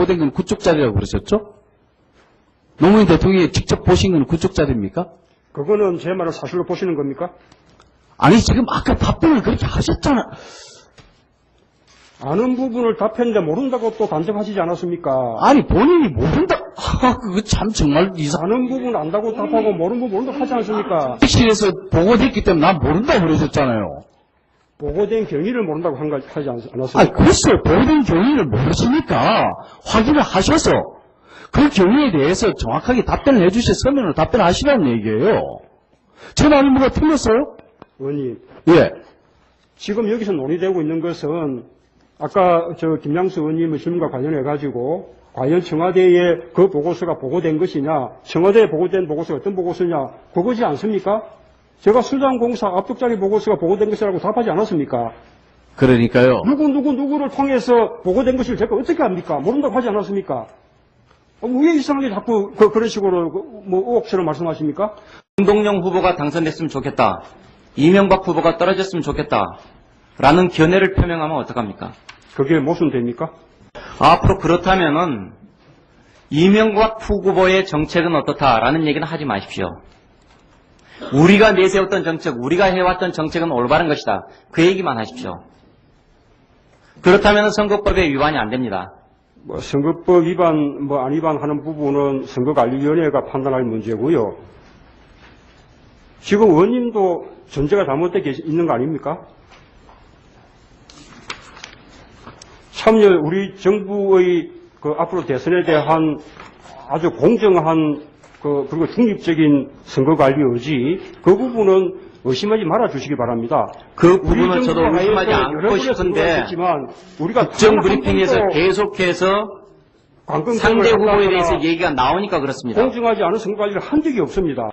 보고된 건 그쪽 자리라고 그러셨죠? 노무현 대통령이 직접 보신 건 그쪽 자리입니까? 그거는 제 말을 사실로 보시는 겁니까? 아니 지금 아까 답변을 그렇게 하셨잖아. 아는 부분을 답했는데 모른다고 또 단정하시지 않았습니까? 아니 본인이 모른다. 그거 참 정말 아는 부분 안다고 답하고 모르는 부분 모른다고 하지 않습니까? 실에서 보고됐기 때문에 난 모른다고 그러셨잖아요. 보고된 경위를 모른다고 하지 않았습니까? 아니 글쎄 보고된 경위를 모르시니까 확인을 하셔서 그 경위에 대해서 정확하게 답변을 해주셔서 서면으로 답변하시라는 얘기예요. 제 말이 뭐가 틀렸어요? 의원님, 예. 지금 여기서 논의되고 있는 것은 아까 김양수 의원님의 질문과 관련해가지고 과연 청와대에 그 보고서가 보고된 것이냐, 청와대에 보고된 보고서가 어떤 보고서냐, 그거지 않습니까? 제가 수장공사 압축자리 보고서가 보고된 것이라고 답하지 않았습니까? 그러니까요. 누구를 통해서 보고된 것을 제가 어떻게 합니까? 모른다고 하지 않았습니까? 왜 이상하게 자꾸 그런 식으로 의혹처럼 말씀하십니까? 정동영 후보가 당선됐으면 좋겠다. 이명박 후보가 떨어졌으면 좋겠다. 라는 견해를 표명하면 어떡합니까? 그게 모순됩니까? 앞으로 그렇다면은 이명박 후보의 정책은 어떻다라는 얘기는 하지 마십시오. 우리가 내세웠던 정책, 우리가 해왔던 정책은 올바른 것이다. 그 얘기만 하십시오. 그렇다면 선거법에 위반이 안 됩니다. 선거법 위반, 안 위반하는 부분은 선거관리위원회가 판단할 문제고요. 지금 의원님도 전제가 잘못되어 있는 거 아닙니까? 참여, 우리 정부의 앞으로 대선에 대한 아주 공정한 그리고 중립적인 선거관리 의지, 그 부분은 의심하지 말아 주시기 바랍니다. 그 부분은 저도 의심하지 않고 싶은데 국정 브리핑에서 계속해서 상대 후보에 대해서 얘기가 나오니까 그렇습니다. 공정하지 않은 선거관리를 한 적이 없습니다.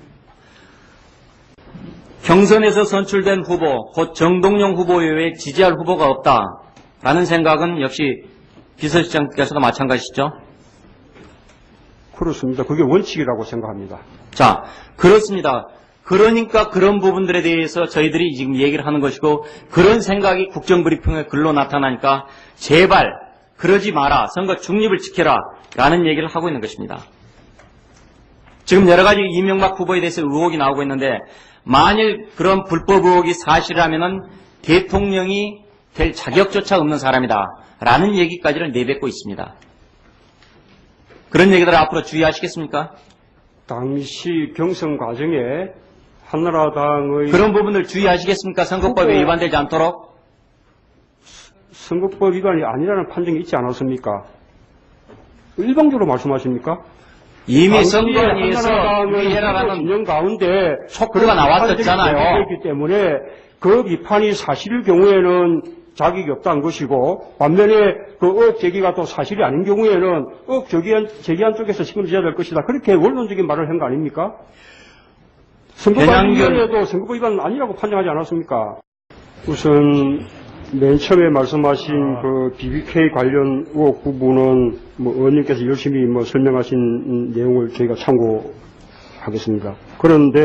경선에서 선출된 후보, 곧 정동영 후보 외에 지지할 후보가 없다라는 생각은 역시 비서실장께서도 마찬가지시죠? 그렇습니다. 그게 원칙이라고 생각합니다. 자, 그렇습니다. 그러니까 그런 부분들에 대해서 저희들이 지금 얘기를 하는 것이고, 그런 생각이 국정브리핑에 글로 나타나니까 제발 그러지 마라, 선거 중립을 지켜라 라는 얘기를 하고 있는 것입니다. 지금 여러 가지 이명박 후보에 대해서 의혹이 나오고 있는데, 만일 그런 불법 의혹이 사실이라면 대통령이 될 자격조차 없는 사람이다 라는 얘기까지를 내뱉고 있습니다. 그런 얘기들을 앞으로 주의하시겠습니까? 당시 경선 과정에 한나라당의 그런 부분을 주의하시겠습니까? 선거법에 위반되지 않도록? 선거법 위반이 아니라는 판정이 있지 않았습니까? 일방적으로 말씀하십니까? 이미 선거위에서 유의해라라는 진영 가운데 촉구가 나왔었잖아요. 그렇기 때문에 그 비판이 사실일 경우에는 자격이 없다는 것이고, 반면에 그 의혹 제기가 또 사실이 아닌 경우에는 의혹 제기한 쪽에서 책임져야 될 것이다. 그렇게 원론적인 말을 한 거 아닙니까? 선거관리위원회도 선거법 위반은 아니라고 판정하지 않았습니까? 우선 맨 처음에 말씀하신 그 BBK 관련 의혹 부분은 의원님께서 열심히 설명하신 내용을 저희가 참고하겠습니다. 그런데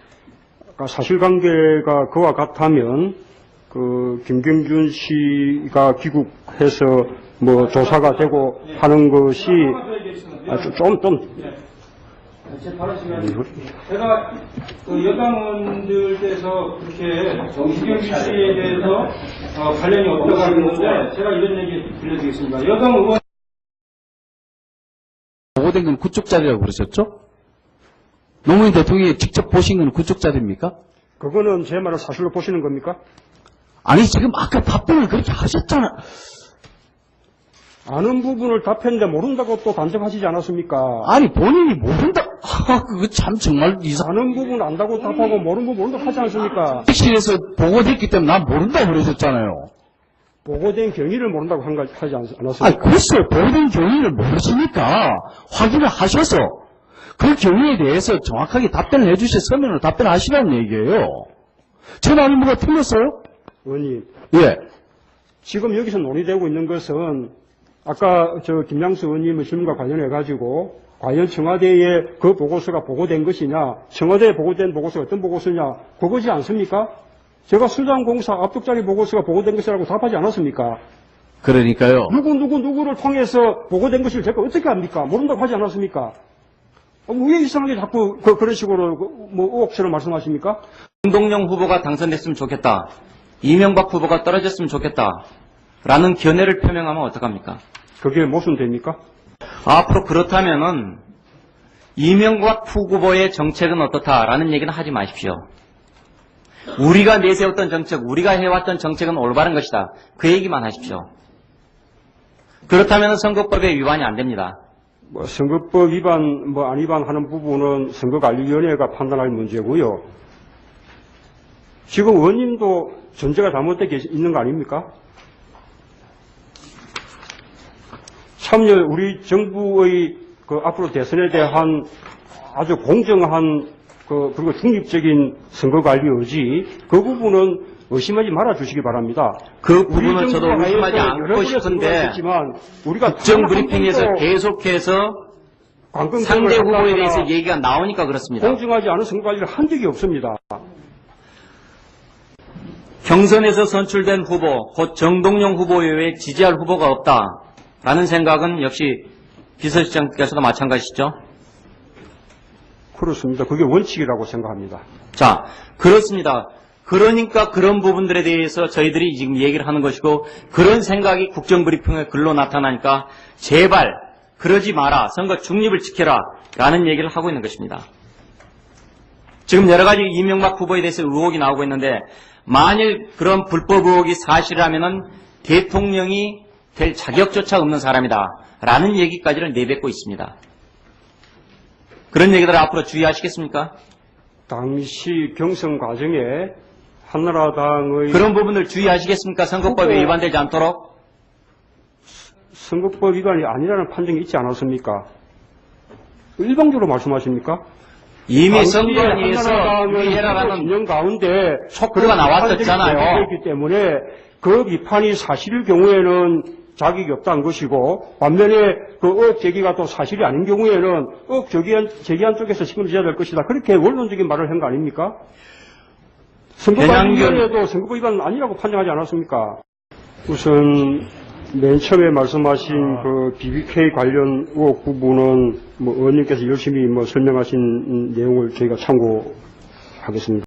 사실관계가 그와 같다면 김경준 씨가 귀국해서 조사가 되고 하는 것이 제가 여당원들께서 그렇게 김경준 씨에 대해서 관련이 없다고 하는데 제가 이런 얘기 들려드리겠습니다. 여당 의원 보고된 건 그쪽 자리라고 그러셨죠? 노무현 대통령이 직접 보신 건 그쪽 자리입니까? 그거는 제 말을 사실로 보시는 겁니까? 아니 지금 아까 답변을 그렇게 하셨잖아. 아는 부분을 답했는데 모른다고 또 단정하시지 않았습니까? 아니 본인이 모른다. 그거 참 정말 아는 부분 안다고 답하고 모르는 부분 모른다고 하지 않습니까? 실에서 보고됐기 때문에 난 모른다고 그러셨잖아요. 보고된 경위를 모른다고 하지 않았습니까? 아니 글쎄 보고된 경위를 모르시니까 확인을 하셔서 그 경위에 대해서 정확하게 답변을 해주셔서 서면으로 답변하시라는 얘기예요. 제 말이 뭐가 틀렸어요? 의원님, 예. 지금 여기서 논의되고 있는 것은 아까 김양수 의원님의 질문과 관련해가지고 과연 청와대에 그 보고서가 보고된 것이냐, 청와대에 보고된 보고서가 어떤 보고서냐, 그거지 않습니까? 제가 수장공사 압축자리 보고서가 보고된 것이라고 답하지 않았습니까? 그러니까요. 누구를 통해서 보고된 것을 제가 어떻게 합니까? 모른다고 하지 않았습니까? 왜 이상하게 자꾸 그런 식으로 뭐 의혹처럼 말씀하십니까? 정동영 후보가 당선됐으면 좋겠다. 이명박 후보가 떨어졌으면 좋겠다. 라는 견해를 표명하면 어떡합니까? 그게 모순됩니까? 앞으로 그렇다면은 이명박 후보의 정책은 어떻다라는 얘기는 하지 마십시오. 우리가 내세웠던 정책, 우리가 해왔던 정책은 올바른 것이다. 그 얘기만 하십시오. 그렇다면 선거법에 위반이 안 됩니다. 뭐 선거법 위반, 뭐 안 위반하는 부분은 선거관리위원회가 판단할 문제고요. 지금 의원님도 전제가 잘못되어 있는 거 아닙니까? 참여 우리 정부의 그 앞으로 대선에 대한 아주 공정한 그리고 중립적인 선거관리 의지 그 부분은 의심하지 말아 주시기 바랍니다. 그 부분은 저도 의심하지 않고 싶은데 국정 브리핑에서 계속해서 상대 후보에 대해서 얘기가 나오니까 그렇습니다. 공정하지 않은 선거관리를 한 적이 없습니다. 경선에서 선출된 후보, 곧 정동영 후보 외에 지지할 후보가 없다라는 생각은 역시 비서실장께서도 마찬가지시죠? 그렇습니다. 그게 원칙이라고 생각합니다. 자, 그렇습니다. 그러니까 그런 부분들에 대해서 저희들이 지금 얘기를 하는 것이고 그런 생각이 국정브리핑에 글로 나타나니까 제발 그러지 마라. 선거 중립을 지켜라. 라는 얘기를 하고 있는 것입니다. 지금 여러 가지 이명박 후보에 대해서 의혹이 나오고 있는데 만일 그런 불법 의혹이 사실이라면은 대통령이 될 자격조차 없는 사람이다. 라는 얘기까지를 내뱉고 있습니다. 그런 얘기들을 앞으로 주의하시겠습니까? 당시 경선 과정에 한나라당의 그런 부분을 주의하시겠습니까? 선거법에 위반되지 않도록? 선거법 위반이 아니라는 판정이 있지 않았습니까? 일방적으로 말씀하십니까? 이미 선거위에서 유의해라라는 진영 가운데 촉구가 나왔었잖아요. 그렇기 때문에 그 비판이 사실일 경우에는 자격이 없다는 것이고 반면에 그 의혹 제기가 또 사실이 아닌 경우에는 의혹 제기한 쪽에서 책임을 져야 될 것이다. 그렇게 원론적인 말을 한 거 아닙니까? 선거관리위원회도 선거법 위반은 아니라고 판정하지 않았습니까? 우선 맨 처음에 말씀하신 그 BBK 관련 의혹 부분은 뭐 의원님께서 열심히 설명하신 내용을 저희가 참고하겠습니다.